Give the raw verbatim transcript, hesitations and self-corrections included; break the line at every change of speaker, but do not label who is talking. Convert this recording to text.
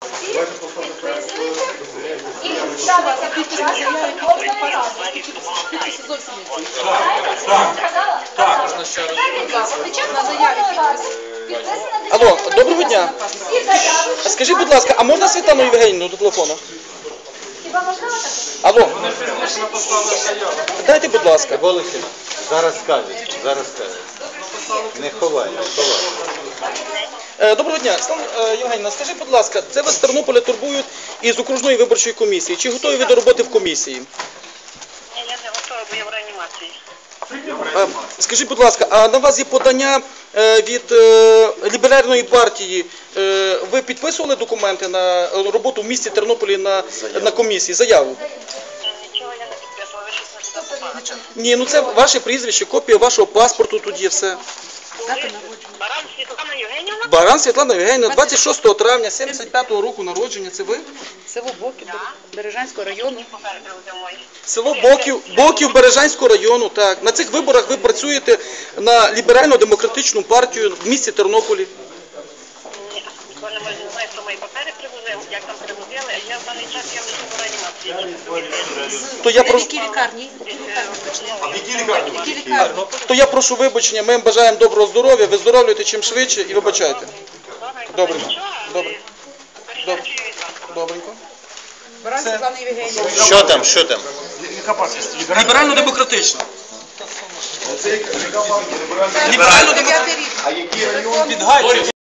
І ставиться підписання кожної ради.
Алло, доброго дня. Скажіть, будь ласка, а можна Світлану Євгенівну до телефону?
Хіба можливо таке?
Алло. Дайте, будь ласка.
Волосина, зараз скажуть, зараз скажуть. Не ховай, не ховай.
Доброго дня. Світлана Євгенівна, скажіть, будь ласка, це ви з Тернополя турбують із окружної виборчої комісії. Чи готові ви до роботи в комісії?
Ні, я не готова, бо я в реанімації.
Скажіть, будь ласка, а на вас є подання від ліберальної партії. Ви підписували документи на роботу в місті Тернополі на, на комісії, заяву?
Нічого я не підписувала, ви щось не туди попали.
Ні, ну це ваше прізвище, копія вашого паспорту, тут є все.
Баран Світлана Євгенівна?
Баран Світлана Євгенівна, двадцять шостого травня сімдесят п'ятого року народження, це ви?
Село Боків, Бережанського району.
Папери привезли мої.
Село Боків, Боків Бережанського району, так. На цих виборах ви працюєте на ліберально-демократичну партію в місті Тернополі.
Ні, бо не можу, не знаю, хто мої папери привозив, як там привозили, а я в даний час я лише в реанімації.
То я прошу,
Які лікарні?
Які
лікарні?
то я прошу вибачення, ми вам бажаємо доброго здоров'я, виздоровлюйте чим швидше і вибачайте. Добре. Добре. Добре. Добренько.
Баран Світлана Євгенівна.
Що там, що там?
Ліберально-демократична.
Дев'ятий рік.
Підгайчик.